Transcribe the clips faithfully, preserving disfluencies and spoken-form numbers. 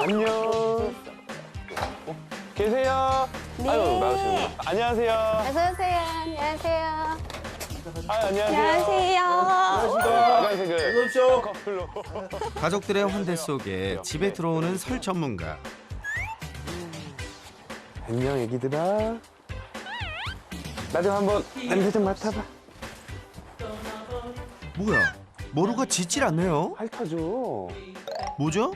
안녕. 어? 계세요? 네. 아유, 나오시는구나. 안녕하세요. 어서 오세요. 안녕하세요. 아, 안녕하세요. 안녕하세요. 빨간색을 오십시오. 커플로. 가족들의 환대 속에 집에 들어오는 설 전문가. 안녕, 애기들아. 나 좀 한번 냄새 좀 맡아봐. 뭐야? 머루가 짖질 않네요. 핥아줘. 뭐죠?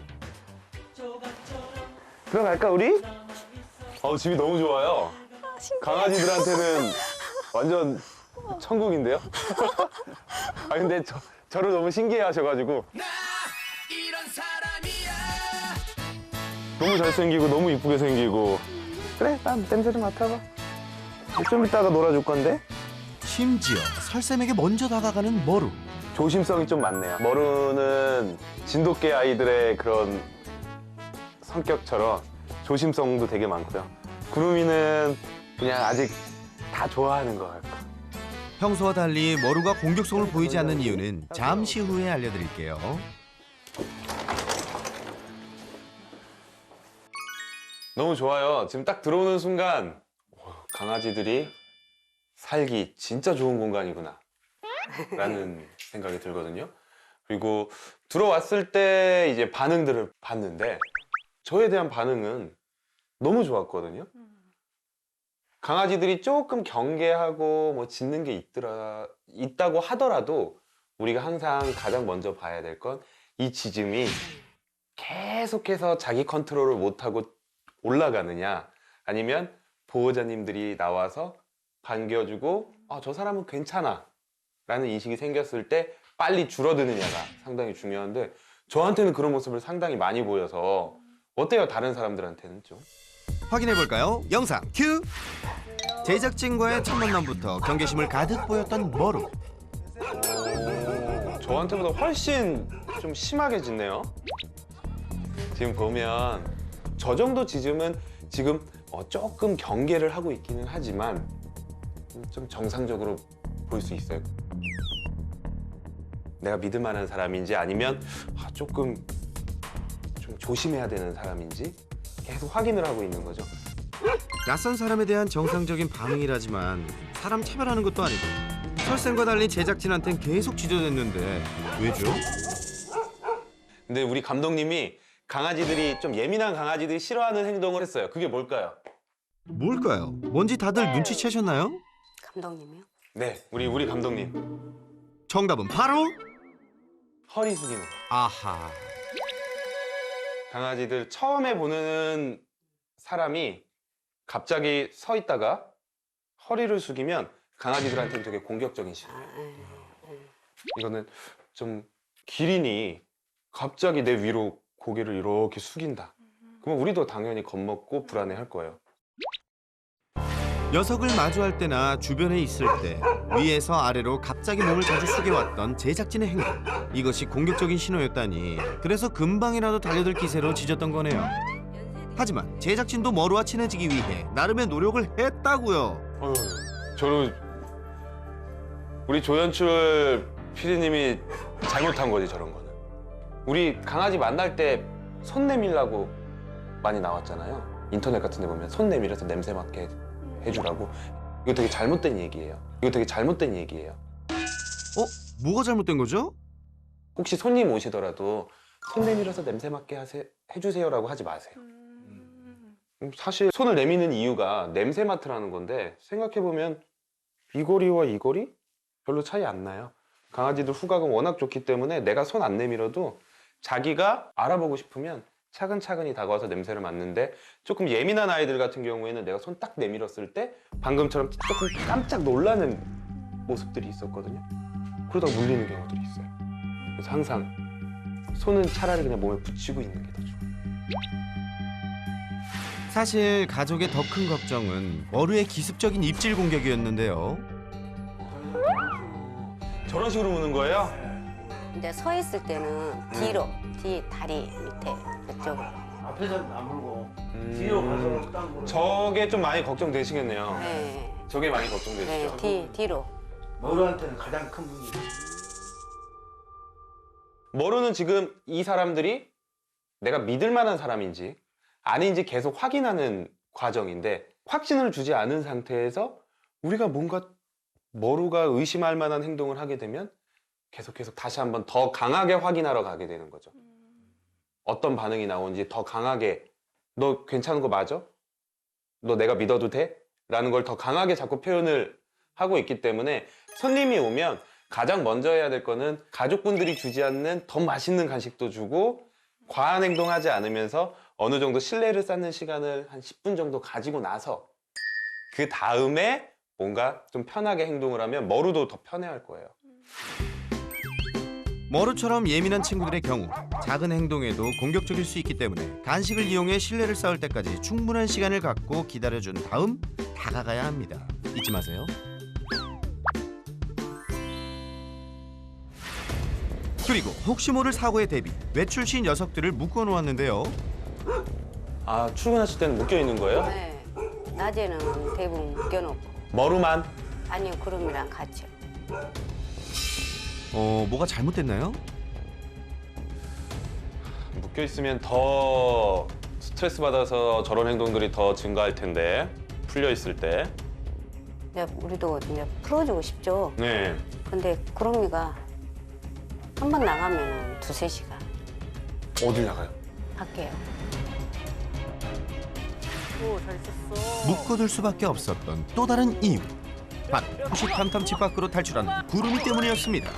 들어갈까, 우리? 어, 집이 너무 좋아요. 강아지들한테는 완전 천국인데요? 아, 근데 저, 저를 너무 신기해 하셔가지고. 너무 잘생기고, 너무 이쁘게 생기고. 그래, 난 냄새 좀 맡아봐. 좀 이따가 놀아줄 건데? 심지어 설쌤에게 먼저 다가가는 머루. 조심성이 좀 많네요. 머루는 진돗개 아이들의 그런 성격처럼 조심성도 되게 많고요. 구름이는 그냥 아직 다 좋아하는 것 같고. 평소와 달리 머루가 공격성을 보이지 않는 이유는 잠시 후에 알려드릴게요. 너무 좋아요. 지금 딱 들어오는 순간 강아지들이 살기 진짜 좋은 공간이구나 라는 생각이 들거든요. 그리고 들어왔을 때 이제 반응들을 봤는데 저에 대한 반응은 너무 좋았거든요. 강아지들이 조금 경계하고 뭐 짖는 게 있더라, 있다고 하더라도 우리가 항상 가장 먼저 봐야 될 건 이 짖음이 계속해서 자기 컨트롤을 못하고 올라가느냐, 아니면 보호자님들이 나와서 반겨주고 아, 저 사람은 괜찮아 라는 인식이 생겼을 때 빨리 줄어드느냐가 상당히 중요한데, 저한테는 그런 모습을 상당히 많이 보여서 어때요? 다른 사람들한테는 좀? 확인해볼까요? 영상 큐! 제작진과의 첫 만남부터 경계심을 가득 보였던 머루. 오, 저한테보다 훨씬 좀 심하게 짖네요. 지금 보면 저 정도 짖음은 지금 어, 조금 경계를 하고 있기는 하지만 좀 정상적으로 볼 수 있어요. 내가 믿을 만한 사람인지 아니면 아, 조금 좀 조심해야 되는 사람인지 계속 확인을 하고 있는 거죠. 낯선 사람에 대한 정상적인 반응이라지만 사람 차별하는 것도 아니고 설쌤과 달리 제작진한텐 계속 짖어댔는데 왜죠? 근데 우리 감독님이 강아지들이 좀 예민한 강아지들이 싫어하는 행동을 했어요. 그게 뭘까요? 뭘까요? 뭔지 다들 눈치채셨나요? 감독님이요? 네, 우리 우리 감독님. 정답은 바로 허리 숙이는 거. 아하. 강아지들 처음에 보는 사람이 갑자기 서 있다가 허리를 숙이면 강아지들한테는 되게 공격적인 신호. 이거는 좀 기린이 갑자기 내 위로 고개를 이렇게 숙인다. 그러면 우리도 당연히 겁먹고 불안해할 거예요. 녀석을 마주할 때나 주변에 있을 때 위에서 아래로 갑자기 몸을 자주 숙여왔던 제작진의 행동. 이것이 공격적인 신호였다니 그래서 금방이라도 달려들 기세로 짖었던 거네요. 하지만 제작진도 머루와 친해지기 위해 나름의 노력을 했다고요. 어휴, 저는 우리 조연출 피디님이 잘못한 거지, 저런 거는. 우리 강아지 만날 때 손 내밀라고 많이 나왔잖아요. 인터넷 같은 데 보면 손 내밀어서 냄새 맡게 해주라고. 이거 되게 잘못된 얘기예요. 이거 되게 잘못된 얘기예요. 어? 뭐가 잘못된 거죠? 혹시 손님 오시더라도 손 내밀어서 냄새 맡게 하세, 해주세요라고 하지 마세요. 음, 사실 손을 내미는 이유가 냄새 맡으라는 건데 생각해보면 이 거리와 이 거리? 별로 차이 안 나요. 강아지들 후각은 워낙 좋기 때문에 내가 손 안 내밀어도 자기가 알아보고 싶으면 차근차근히 다가와서 냄새를 맡는데, 조금 예민한 아이들 같은 경우에는 내가 손 딱 내밀었을 때 방금처럼 조금 깜짝 놀라는 모습들이 있었거든요. 그러다 물리는 경우들이 있어요. 그래서 항상 손은 차라리 그냥 몸에 붙이고 있는 게 더 좋아요. 사실 가족의 더 큰 걱정은 머루의 기습적인 입질 공격이었는데요. 저런 식으로 무는 거예요? 이제 서 있을 때는 뒤로, 뒤 다리 밑에 그쪽으로. 앞에서는 안 물고 음, 뒤로 가서 딱 물고. 저게 좀 많이 걱정되시겠네요. 네, 저게 많이 네, 걱정되시죠? 뒤 뒤로. 머루한테는 가장 큰 무기. 머루는 지금 이 사람들이 내가 믿을 만한 사람인지 아닌지 계속 확인하는 과정인데, 확신을 주지 않은 상태에서 우리가 뭔가 머루가 의심할 만한 행동을 하게 되면 계속 계속 다시 한번 더 강하게 확인하러 가게 되는 거죠. 어떤 반응이 나오는지 더 강하게, 너 괜찮은 거 맞아? 너 내가 믿어도 돼? 라는 걸 더 강하게 자꾸 표현을 하고 있기 때문에 손님이 오면 가장 먼저 해야 될 거는 가족분들이 주지 않는 더 맛있는 간식도 주고 과한 행동하지 않으면서 어느 정도 신뢰를 쌓는 시간을 한 십 분 정도 가지고 나서 그 다음에 뭔가 좀 편하게 행동을 하면 머루도 더 편해할 거예요. 머루처럼 예민한 친구들의 경우 작은 행동에도 공격적일 수 있기 때문에 간식을 이용해 신뢰를 쌓을 때까지 충분한 시간을 갖고 기다려준 다음 다가가야 합니다. 잊지 마세요. 그리고 혹시 모를 사고에 대비 외출 시 녀석들을 묶어놓았는데요. 아, 출근하실 때는 묶여 있는 거예요? 네. 낮에는 대부분 묶여놓고. 머루만? 아니요, 구름이랑 같이요. 어, 뭐가 잘못됐나요? 묶여 있으면 더 스트레스 받아서 저런 행동들이 더 증가할 텐데, 풀려 있을 때. 이제 우리도 이제 풀어주고 싶죠. 네. 근데 구름이가 한 번 나가면 두세 시간 어딜 나가요? 밖에요. 묶어둘 수밖에 없었던 또 다른 이유. 바로 호시탐탐 집 밖으로 탈출한 구름이 때문이었습니다.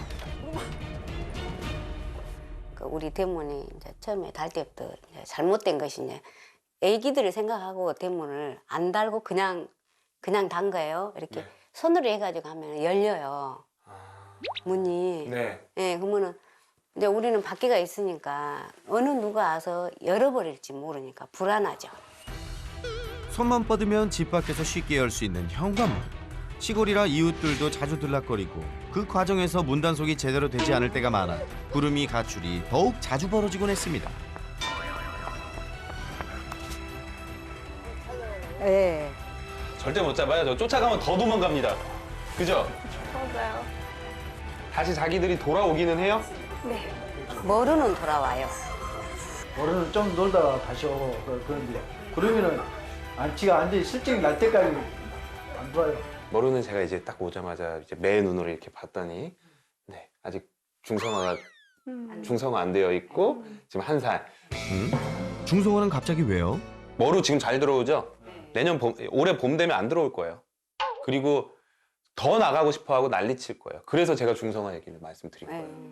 그 우리 대문이 이제 처음에 달 때부터 이제 잘못된 것이 이제 애기들을 생각하고 대문을 안 달고 그냥 그냥 단 거예요. 이렇게 네. 손으로 해가지고 하면 열려요. 문이. 네. 네, 그러면은 이제 우리는 밖에가 있으니까 어느 누가 와서 열어버릴지 모르니까 불안하죠. 손만 뻗으면 집 밖에서 쉽게 열 수 있는 현관문. 시골이라 이웃들도 자주 들락거리고 그 과정에서 문단속이 제대로 되지 않을 때가 많아 구름이 가출이 더욱 자주 벌어지곤 했습니다. 네. 절대 못 잡아요. 저 쫓아가면 더 도망갑니다. 그죠? 맞아요. 다시 자기들이 돌아오기는 해요? 네. 머루는 돌아와요. 머리는 좀 놀다가 다시 오고 그- 그런데 구름이는 안, 지가 완전히 실증이 날 때까지 안 돌아요. 머루는 제가 이제 딱 오자마자 이제 매 눈으로 이렇게 봤더니, 네, 아직 중성화가 음. 중성화 안 되어 있고 지금 한 살. 음? 중성화는 갑자기 왜요? 머루 지금 잘 들어오죠? 내년 봄, 올해 봄 되면 안 들어올 거예요. 그리고 더 나가고 싶어하고 난리칠 거예요. 그래서 제가 중성화 얘기를 말씀드린 네. 거예요.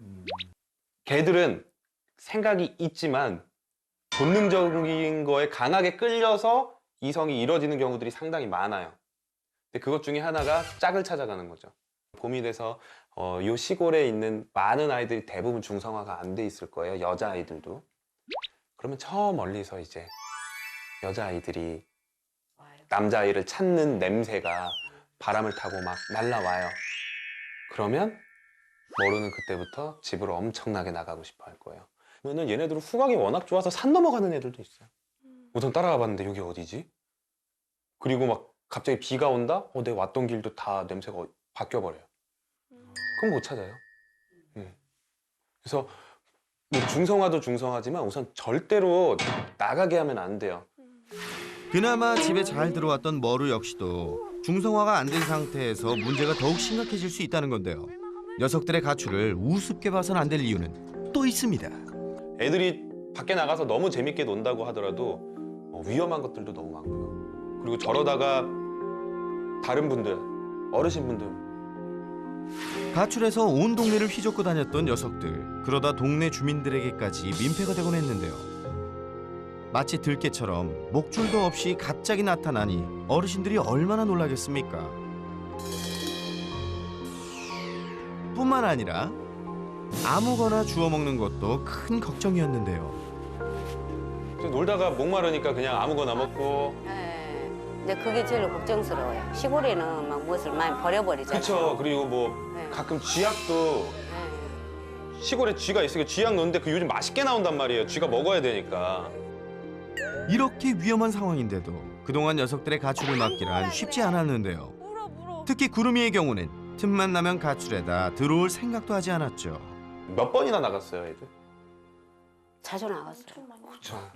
걔들은 생각이 있지만 본능적인 거에 강하게 끌려서 이성이 이뤄지는 경우들이 상당히 많아요. 근데 그것 중에 하나가 짝을 찾아가는 거죠. 봄이 돼서 어, 이 시골에 있는 많은 아이들이 대부분 중성화가 안 돼 있을 거예요. 여자아이들도. 그러면 저 멀리서 이제 여자아이들이 남자아이를 찾는 냄새가 바람을 타고 막 날라와요. 그러면 머루는 그때부터 집으로 엄청나게 나가고 싶어 할 거예요. 그러면 얘네들은 후각이 워낙 좋아서 산 넘어가는 애들도 있어요. 우선 따라가 봤는데 여기 어디지? 그리고 막 갑자기 비가 온다? 어, 내 왔던 길도 다 냄새가 바뀌어버려요. 그럼 못 찾아요. 음. 그래서 뭐 중성화도 중성화지만 우선 절대로 나가게 하면 안 돼요. 그나마 집에 잘 들어왔던 머루 역시도 중성화가 안 된 상태에서 문제가 더욱 심각해질 수 있다는 건데요. 녀석들의 가출을 우습게 봐서는 안 될 이유는 또 있습니다. 애들이 밖에 나가서 너무 재밌게 논다고 하더라도 어, 위험한 것들도 너무 많고요. 그리고 저러다가 다른 분들, 어르신분들 가출해서 온 동네를 휘젓고 다녔던 녀석들. 그러다 동네 주민들에게까지 민폐가 되곤 했는데요. 마치 들깨처럼 목줄도 없이 갑자기 나타나니 어르신들이 얼마나 놀라겠습니까? 뿐만 아니라 아무거나 주워 먹는 것도 큰 걱정이었는데요. 그래서 놀다가 목마르니까 그냥 아무거나 먹고. 네. 근데 그게 제일 걱정스러워요. 시골에는 막 무엇을 많이 버려버리잖아요. 그렇죠. 그리고 뭐 네. 가끔 쥐약도 네. 시골에 쥐가 있으니까 쥐약 넣는데 그 요즘 맛있게 나온단 말이에요. 쥐가 먹어야 되니까. 이렇게 위험한 상황인데도 그동안 녀석들의 가출을 막기란 쉽지 않았는데요. 물어 물어. 특히 구름이의 경우는 틈만 나면 가출에다 들어올 생각도 하지 않았죠. 몇 번이나 나갔어요, 애들. 자주 나갔어요. 그렇죠.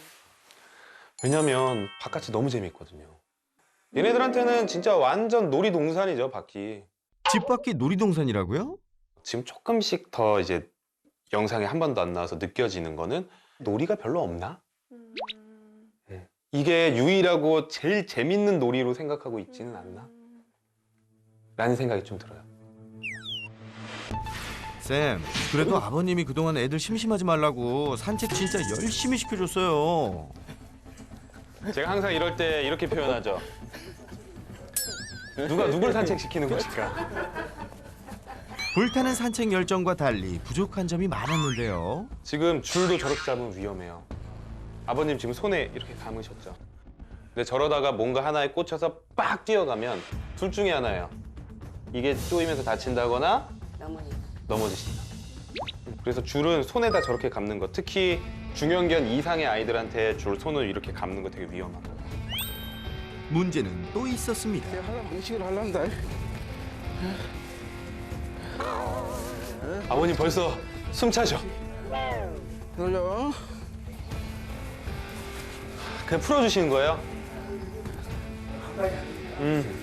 왜냐면 바깥이 너무 재밌거든요. 얘네들한테는 진짜 완전 놀이동산이죠, 밖이. 집 밖이 놀이동산이라고요? 지금 조금씩 더 이제 영상에 한 번도 안 나와서 느껴지는 거는 놀이가 별로 없나? 음. 이게 유일하고 제일 재밌는 놀이로 생각하고 있지는 않나? 라는 생각이 좀 들어요. 쌤, 그래도 아버님이 그동안 애들 심심하지 말라고 산책 진짜 열심히 시켜줬어요. 제가 항상 이럴 때 이렇게 표현하죠. 누가 누굴 산책시키는 것일까? 불타는 산책 열정과 달리 부족한 점이 많았는데요. 지금 줄도 저렇게 잡으면 위험해요. 아버님 지금 손에 이렇게 감으셨죠? 근데 저러다가 뭔가 하나에 꽂혀서 빡 뛰어가면 둘 중에 하나예요. 이게 쪼이면서 다친다거나 넘어지. 넘어지신다. 그래서 줄은 손에다 저렇게 감는 거, 특히 중형견 이상의 아이들한테 줄 손을 이렇게 감는 거 되게 위험한 거예요. 문제는 또 있었습니다. 내가 하려면 방식을 하려는다. 아버님 벌써 숨 차죠? 돌려. 그냥 풀어주시는 거예요? 음.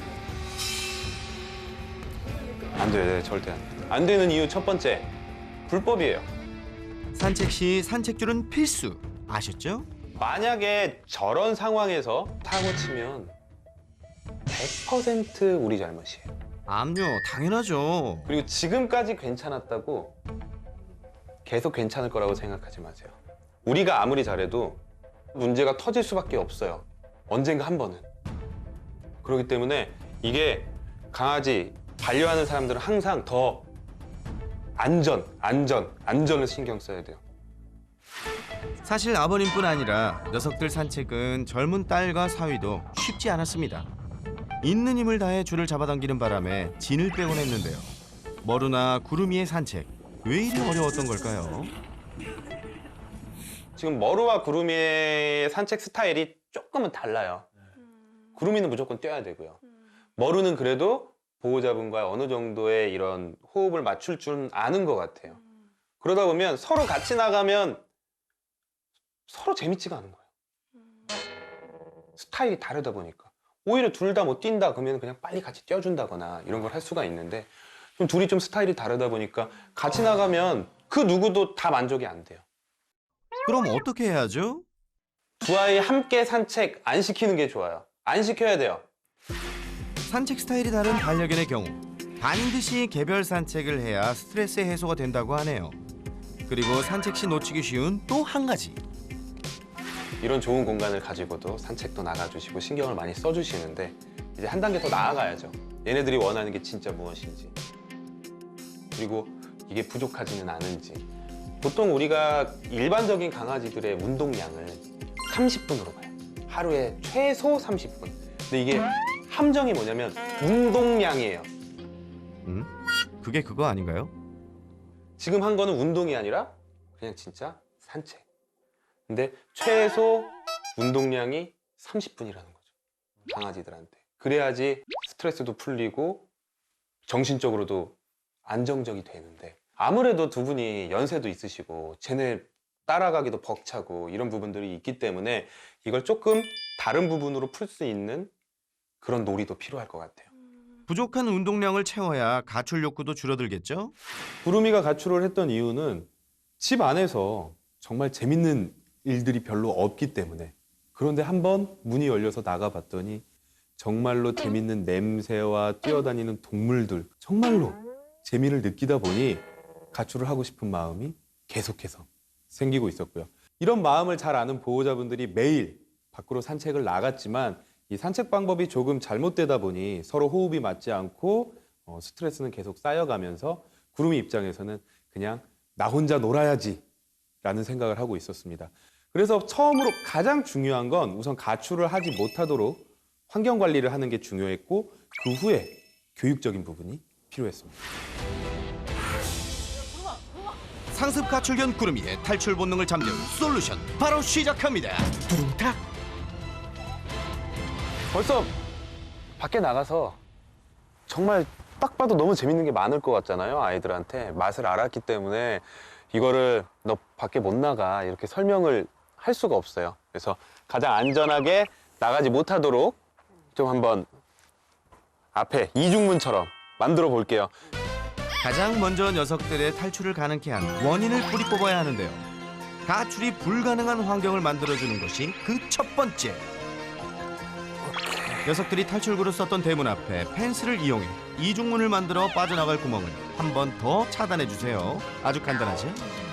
안 돼요, 네, 절대 안 돼요. 안 되는 이유 첫 번째, 불법이에요. 산책 시 산책줄은 필수. 아셨죠? 만약에 저런 상황에서 사고 치면 백 퍼센트 우리 잘못이에요. 암요, 당연하죠. 그리고 지금까지 괜찮았다고 계속 괜찮을 거라고 생각하지 마세요. 우리가 아무리 잘해도 문제가 터질 수밖에 없어요. 언젠가 한 번은. 그렇기 때문에 이게 강아지 반려하는 사람들은 항상 더 안전, 안전, 안전을 신경 써야 돼요. 사실 아버님뿐 아니라 녀석들 산책은 젊은 딸과 사위도 쉽지 않았습니다. 있는 힘을 다해 줄을 잡아당기는 바람에 진을 빼곤 했는데요. 머루나 구름이의 산책, 왜 이리 어려웠던 걸까요? 지금 머루와 구름이의 산책 스타일이 조금은 달라요. 구름이는 무조건 뛰어야 되고요. 머루는 그래도 보호자분과 어느 정도의 이런 호흡을 맞출 줄 아는 것 같아요. 그러다 보면 서로 같이 나가면 서로 재밌지가 않은 거예요. 스타일이 다르다 보니까. 오히려 둘 다 못 뛴다 그러면 그냥 빨리 같이 뛰어준다거나 이런 걸 할 수가 있는데 좀 둘이 좀 스타일이 다르다 보니까 같이 나가면 그 누구도 다 만족이 안 돼요. 그럼 어떻게 해야죠? 두 아이 함께 산책 안 시키는 게 좋아요. 안 시켜야 돼요. 산책 스타일이 다른 반려견의 경우 반드시 개별 산책을 해야 스트레스 해소가 된다고 하네요. 그리고 산책 시 놓치기 쉬운 또 한 가지. 이런 좋은 공간을 가지고도 산책도 나가주시고 신경을 많이 써주시는데 이제 한 단계 더 나아가야죠. 얘네들이 원하는 게 진짜 무엇인지, 그리고 이게 부족하지는 않은지. 보통 우리가 일반적인 강아지들의 운동량을 삼십 분으로 봐요. 하루에 최소 삼십 분. 근데 이게 함정이 뭐냐면 운동량이에요. 음? 그게 그거 아닌가요? 지금 한 거는 운동이 아니라 그냥 진짜 산책. 근데 최소 운동량이 삼십 분이라는 거죠. 강아지들한테. 그래야지 스트레스도 풀리고 정신적으로도 안정적이 되는데 아무래도 두 분이 연세도 있으시고 쟤네 따라가기도 벅차고 이런 부분들이 있기 때문에 이걸 조금 다른 부분으로 풀 수 있는 그런 놀이도 필요할 것 같아요. 부족한 운동량을 채워야 가출 욕구도 줄어들겠죠? 구름이가 가출을 했던 이유는 집 안에서 정말 재밌는 일들이 별로 없기 때문에. 그런데 한번 문이 열려서 나가봤더니 정말로 재밌는 냄새와 뛰어다니는 동물들, 정말로 재미를 느끼다 보니 가출을 하고 싶은 마음이 계속해서 생기고 있었고요. 이런 마음을 잘 아는 보호자분들이 매일 밖으로 산책을 나갔지만 이 산책 방법이 조금 잘못되다 보니 서로 호흡이 맞지 않고 어, 스트레스는 계속 쌓여가면서 구름이 입장에서는 그냥 나 혼자 놀아야지 라는 생각을 하고 있었습니다. 그래서 처음으로 가장 중요한 건 우선 가출을 하지 못하도록 환경 관리를 하는 게 중요했고 그 후에 교육적인 부분이 필요했습니다. 상습 가출견 구름이의 탈출 본능을 잠재운 솔루션 바로 시작합니다. 두둥탁. 벌써 밖에 나가서 정말 딱 봐도 너무 재밌는 게 많을 것 같잖아요. 아이들한테 맛을 알았기 때문에 이거를 너 밖에 못 나가 이렇게 설명을 할 수가 없어요. 그래서 가장 안전하게 나가지 못하도록 좀 한번 앞에 이중문처럼 만들어 볼게요. 가장 먼저 녀석들의 탈출을 가능케 한 원인을 뿌리 뽑아야 하는데요. 가출이 불가능한 환경을 만들어주는 것이 그 첫 번째. 녀석들이 탈출구로 썼던 대문 앞에 펜스를 이용해 이중문을 만들어 빠져나갈 구멍을 한 번 더 차단해 주세요. 아주 간단하죠?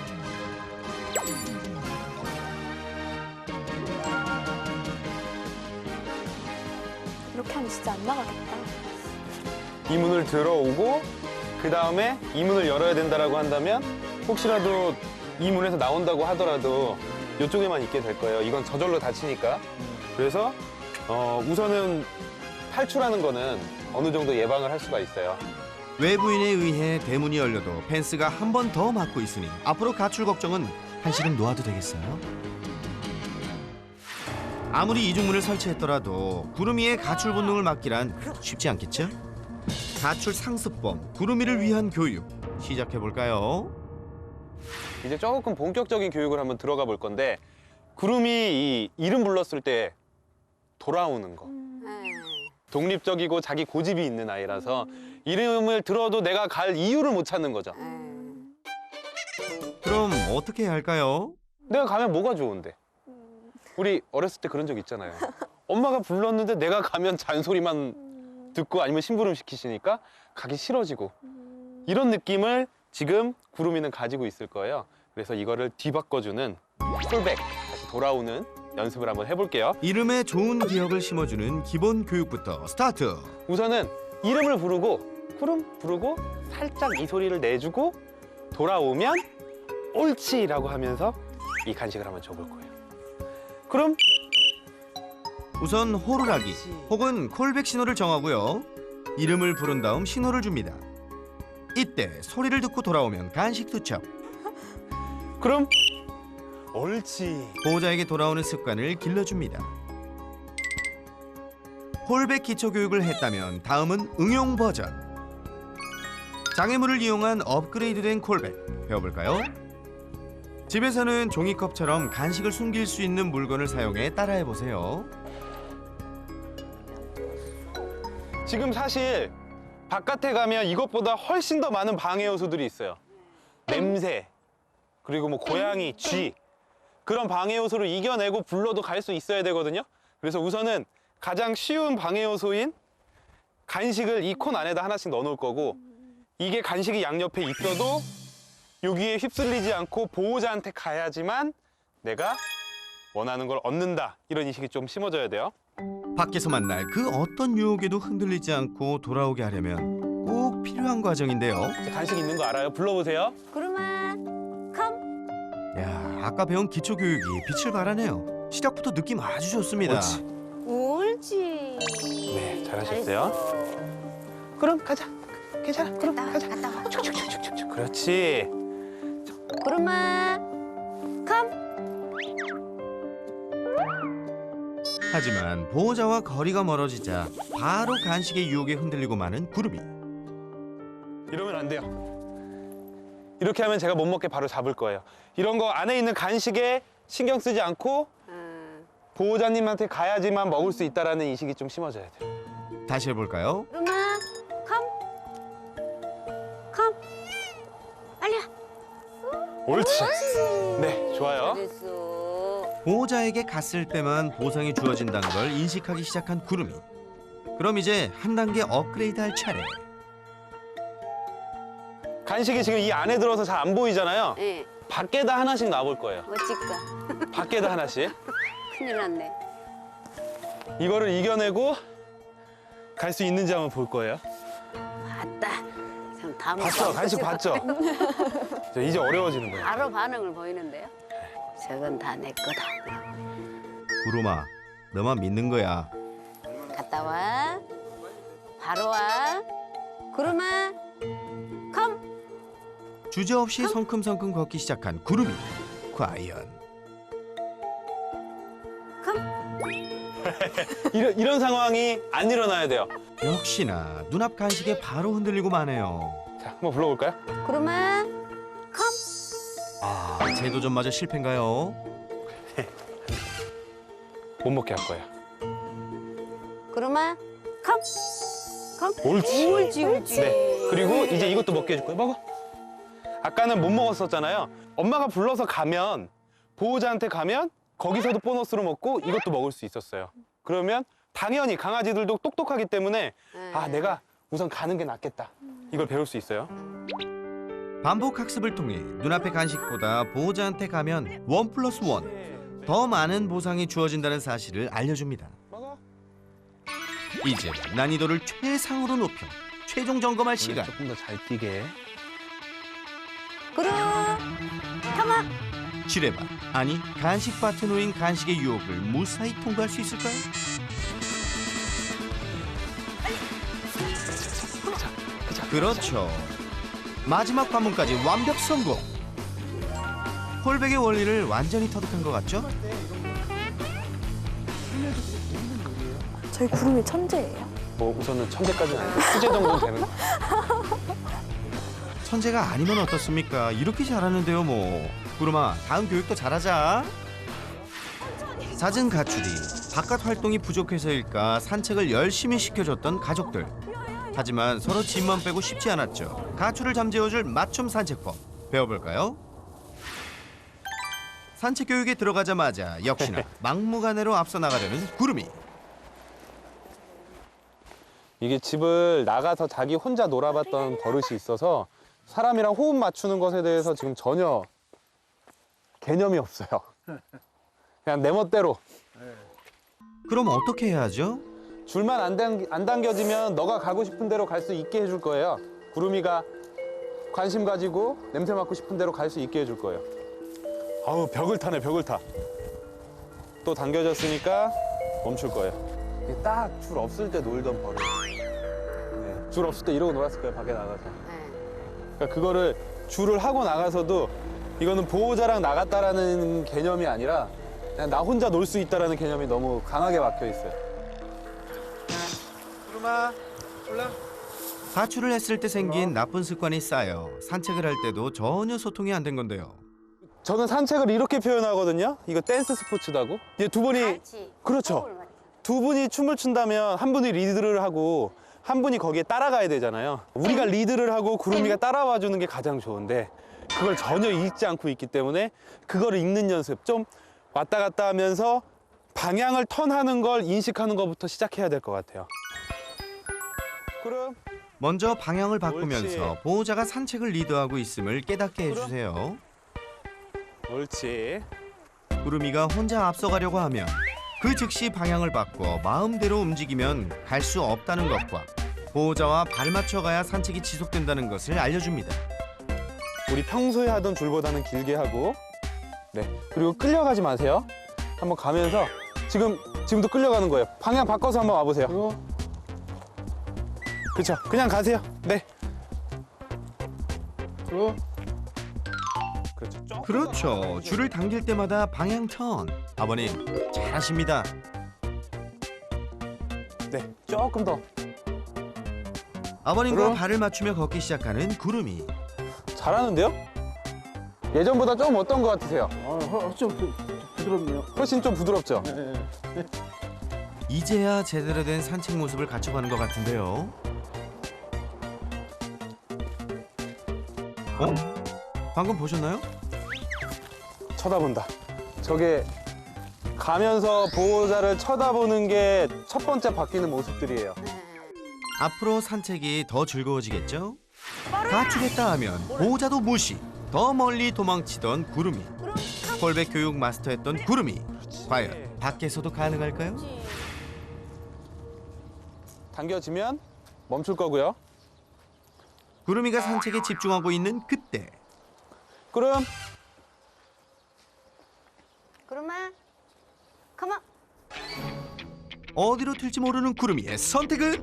이렇게 하면 진짜 안 나가겠다. 이 문을 들어오고 그 다음에 이 문을 열어야 된다라고 한다면 혹시라도 이 문에서 나온다고 하더라도 이쪽에만 있게 될 거예요. 이건 저절로 닫히니까. 그래서 어, 우선은 탈출하는 거는 어느 정도 예방을 할 수가 있어요. 외부인에 의해 대문이 열려도 펜스가 한 번 더 막고 있으니 앞으로 가출 걱정은 한시름 놓아도 되겠어요? 아무리 이중문을 설치했더라도 구름이의 가출 본능을 막기란 쉽지 않겠죠? 가출 상습범 구름이를 위한 교육 시작해볼까요? 이제 조금 본격적인 교육을 한번 들어가 볼 건데 구름이 이 이름 불렀을 때 돌아오는 거. 네. 독립적이고 자기 고집이 있는 아이라서 이름을 들어도 내가 갈 이유를 못 찾는 거죠. 네. 그럼 어떻게 해야 할까요? 내가 가면 뭐가 좋은데? 우리 어렸을 때 그런 적 있잖아요. 엄마가 불렀는데 내가 가면 잔소리만 듣고 아니면 심부름 시키시니까 가기 싫어지고 이런 느낌을 지금 구름이는 가지고 있을 거예요. 그래서 이거를 뒤바꿔주는 콜백, 다시 돌아오는 연습을 한번 해볼게요. 이름에 좋은 기억을 심어주는 기본 교육부터 스타트! 우선은 이름을 부르고 구름 부르고 살짝 이 소리를 내주고 돌아오면 옳지라고 하면서 이 간식을 한번 줘볼 거예요. 그럼 우선 호루라기 혹은 콜백 신호를 정하고요. 이름을 부른 다음 신호를 줍니다. 이때 소리를 듣고 돌아오면 간식 투척. 그럼 옳지. 보호자에게 돌아오는 습관을 길러줍니다. 콜백 기초 교육을 했다면 다음은 응용 버전. 장애물을 이용한 업그레이드된 콜백 배워볼까요? 집에서는 종이컵처럼 간식을 숨길 수 있는 물건을 사용해 따라해보세요. 지금 사실 바깥에 가면 이것보다 훨씬 더 많은 방해 요소들이 있어요. 냄새, 그리고 뭐 고양이, 쥐 그런 방해 요소를 이겨내고 불러도 갈 수 있어야 되거든요. 그래서 우선은 가장 쉬운 방해 요소인 간식을 이 콘 안에다 하나씩 넣어 놓을 거고 이게 간식이 양옆에 있어도 여기에 휩쓸리지 않고 보호자한테 가야지만 내가 원하는 걸 얻는다. 이런 인식이 좀 심어져야 돼요. 밖에서 만날 그 어떤 유혹에도 흔들리지 않고 돌아오게 하려면 꼭 필요한 과정인데요. 간식 있는 거 알아요? 불러보세요. 구름아, 컴. 야, 아까 배운 기초 교육이 빛을 발하네요. 시작부터 느낌 아주 좋습니다. 옳지. 옳지. 네, 잘하셨어요. 잘했어. 그럼 가자. 괜찮아. 그럼 갔다 와, 가자. 갔다 와. 축축축축축. 그렇지. 구름아, 컴. 하지만 보호자와 거리가 멀어지자 바로 간식의 유혹에 흔들리고 마는 구름이. 이러면 안 돼요. 이렇게 하면 제가 못 먹게 바로 잡을 거예요. 이런 거 안에 있는 간식에 신경 쓰지 않고 음. 보호자님한테 가야지만 먹을 수 있다라는 인식이 좀 심어져야 돼요. 다시 해볼까요? 구름아, 컴. 컴. 빨리 와. 옳지. 네, 좋아요. 잘했어. 보호자에게 갔을 때만 보상이 주어진다는 걸 인식하기 시작한 구름이. 그럼 이제 한 단계 업그레이드할 차례. 간식이 지금 이 안에 들어서 잘 안 보이잖아요. 예, 밖에다 하나씩 놔볼 거예요. 어찌까. 밖에다 하나씩. 큰일 났네. 이거를 이겨내고 갈 수 있는지 한번 볼 거예요. 봤다. 그럼 다음 봤죠? 간식 봤죠? 저 이제 어려워지는 거예요. 바로 반응을 보이는데요. 저건 다 내 거다. 구름아, 너만 믿는 거야. 갔다 와. 바로 와. 구름아, 컴. 주저없이 성큼성큼 걷기 시작한 구름이. 과연 이런, 이런 상황이 안 일어나야 돼요. 역시나 눈앞 간식에 바로 흔들리고 마네요. 자, 한번 불러볼까요? 구름아, 컴. 아, 제도전마저 실패인가요? 못 먹게 할 거야. 그러면 컴. 컴. 옳지. 옳지, 옳지. 네. 그리고 이제 이것도 먹게 해줄 거야. 먹어. 아까는 못 먹었었잖아요. 엄마가 불러서 가면 보호자한테 가면 거기서도 보너스로 먹고 이것도 먹을 수 있었어요. 그러면 당연히 강아지들도 똑똑하기 때문에 아 내가 우선 가는 게 낫겠다. 이걸 배울 수 있어요. 반복 학습을 통해 눈앞의 간식보다 보호자한테 가면 원 플러스 원, 더 많은 보상이 주어진다는 사실을 알려줍니다. 먹어. 이제 난이도를 최상으로 높여 최종 점검할 시간. 조금 더 잘 뛰게. 그럼 컴온. 지뢰밭, 아니 간식밭에 놓인 간식의 유혹을 무사히 통과할 수 있을까요? 그렇죠. 마지막 관문까지 완벽 성공. 홀백의 원리를 완전히 터득한 것 같죠? 저희 구름이 천재예요. 뭐 우선은 천재까지는 아니고 수제 정도는 되는 거. 천재가 아니면 어떻습니까? 이렇게 잘하는데요, 뭐. 구름아, 다음 교육도 잘하자. 잦은 가출이 바깥 활동이 부족해서일까 산책을 열심히 시켜줬던 가족들. 하지만 서로 집만 빼고 쉽지 않았죠. 가출을 잠재워줄 맞춤 산책법 배워볼까요? 산책 교육에 들어가자마자 역시나 막무가내로 앞서 나가려는 구름이. 이게 집을 나가서 자기 혼자 놀아봤던 버릇이 있어서 사람이랑 호흡 맞추는 것에 대해서 지금 전혀 개념이 없어요. 그냥 내 멋대로. 그럼 어떻게 해야 하죠? 줄만 안, 당, 안 당겨지면 너가 가고 싶은 대로 갈 수 있게 해줄 거예요. 구름이가 관심 가지고 냄새 맡고 싶은 대로 갈 수 있게 해줄 거예요. 아우 벽을 타네 벽을 타. 또 당겨졌으니까 멈출 거예요. 딱 줄 없을 때 놀던 버릇. 네, 줄 없을 때 이러고 놀았을 거예요 밖에 나가서. 그러니까 그거를 줄을 하고 나가서도 이거는 보호자랑 나갔다라는 개념이 아니라 그냥 나 혼자 놀 수 있다라는 개념이 너무 강하게 박혀 있어요. 구름아, 올라. 가출을 했을 때 생긴 나쁜 습관이 쌓여 산책을 할 때도 전혀 소통이 안 된 건데요. 저는 산책을 이렇게 표현하거든요. 이거 댄스 스포츠다고. 이제 두 분이 같이. 그렇죠. 호흡을 맞춰. 두 분이 춤을 춘다면 한 분이 리드를 하고 한 분이 거기에 따라가야 되잖아요. 우리가 리드를 하고 구름이가 따라와 주는 게 가장 좋은데 그걸 전혀 읽지 않고 있기 때문에 그거를 읽는 연습 좀 왔다 갔다 하면서 방향을 턴하는 걸 인식하는 것부터 시작해야 될 것 같아요. 구름. 먼저 방향을 바꾸면서 옳지. 보호자가 산책을 리드하고 있음을 깨닫게 해주세요. 옳지. 구름이가 혼자 앞서가려고 하면 그 즉시 방향을 바꿔 마음대로 움직이면 갈 수 없다는 것과 보호자와 발 맞춰가야 산책이 지속된다는 것을 알려줍니다. 우리 평소에 하던 줄보다는 길게 하고 네 그리고 끌려가지 마세요. 한번 가면서 지금 지금도 끌려가는 거예요. 방향 바꿔서 한번 와보세요. 그렇죠. 그냥 가세요. 네. 그리고 그렇죠. 조금 그렇죠. 줄을 당길 때마다 방향 턴. 아버님 잘하십니다. 네, 조금 더. 아버님과 그럼? 발을 맞추며 걷기 시작하는 구름이. 잘하는데요? 예전보다 좀 어떤 것 같으세요? 어, 허- 좀 부- 부드럽네요. 훨씬 좀 부드럽죠? 예, 예. 이제야 제대로 된 산책 모습을 갖춰가는 것 같은데요. 어? 방금 보셨나요? 쳐다본다. 저게 가면서 보호자를 쳐다보는 게 첫 번째 바뀌는 모습들이에요. 앞으로 산책이 더 즐거워지겠죠? 가출했다 하면 보호자도 무시, 더 멀리 도망치던 구름이. 홀백 교육 마스터했던 구름이. 과연 밖에서도 가능할까요? 당겨지면 멈출 거고요. 구름이가 산책에 집중하고 있는 그때 그럼 그러면 컴온. 어디로 튈지 모르는 구름이의 선택은?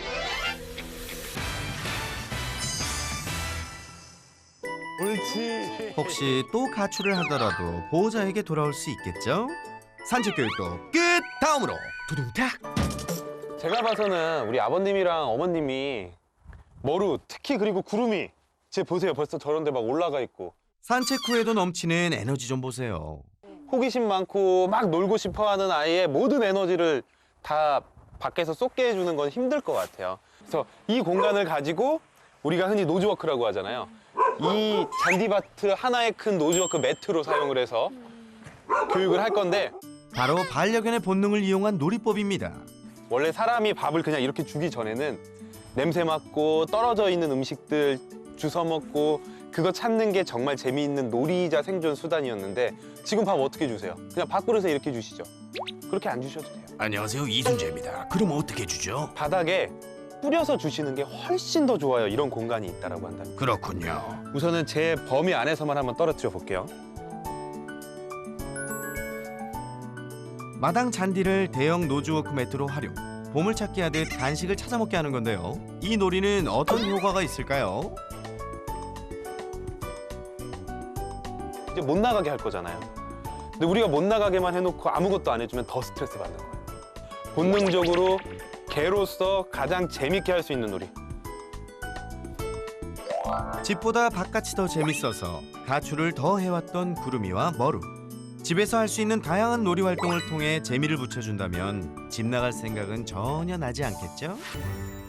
옳지. 혹시 또 가출을 하더라도 보호자에게 돌아올 수 있겠죠? 산책 교육도 끝! 다음으로 두둥탁! 제가 봐서는 우리 아버님이랑 어머님이 머루, 특히 그리고 구름이 쟤 보세요. 벌써 저런 데 막 올라가 있고 산책 후에도 넘치는 에너지 좀 보세요. 호기심 많고 막 놀고 싶어하는 아이의 모든 에너지를 다 밖에서 쏟게 해주는 건 힘들 것 같아요. 그래서 이 공간을 가지고 우리가 흔히 노즈워크라고 하잖아요. 이 잔디밭을 하나의 큰 노즈워크 매트로 사용을 해서 교육을 할 건데, 바로 반려견의 본능을 이용한 놀이법입니다. 원래 사람이 밥을 그냥 이렇게 주기 전에는 냄새 맡고 떨어져 있는 음식들 주워 먹고 그거 찾는 게 정말 재미있는 놀이이자 생존 수단이었는데, 지금 밥 어떻게 주세요? 그냥 밥그릇에 이렇게 주시죠. 그렇게 안 주셔도 돼요. 안녕하세요, 이순재입니다. 그럼 어떻게 주죠? 바닥에 뿌려서 주시는 게 훨씬 더 좋아요. 이런 공간이 있다라고 한다면. 그렇군요. 우선은 제 범위 안에서만 한번 떨어뜨려 볼게요. 마당 잔디를 대형 노즈워크 매트로 활용. 보물찾기 하듯 간식을 찾아 먹게 하는 건데요. 이 놀이는 어떤 효과가 있을까요? 이제 못 나가게 할 거잖아요. 근데 우리가 못 나가게만 해놓고 아무것도 안 해주면 더 스트레스 받는 거예요. 본능적으로 개로서 가장 재밌게 할 수 있는 놀이. 집보다 바깥이 더 재밌어서 가출을 더 해왔던 구름이와 머루. 집에서 할 수 있는 다양한 놀이 활동을 통해 재미를 붙여준다면 집 나갈 생각은 전혀 나지 않겠죠?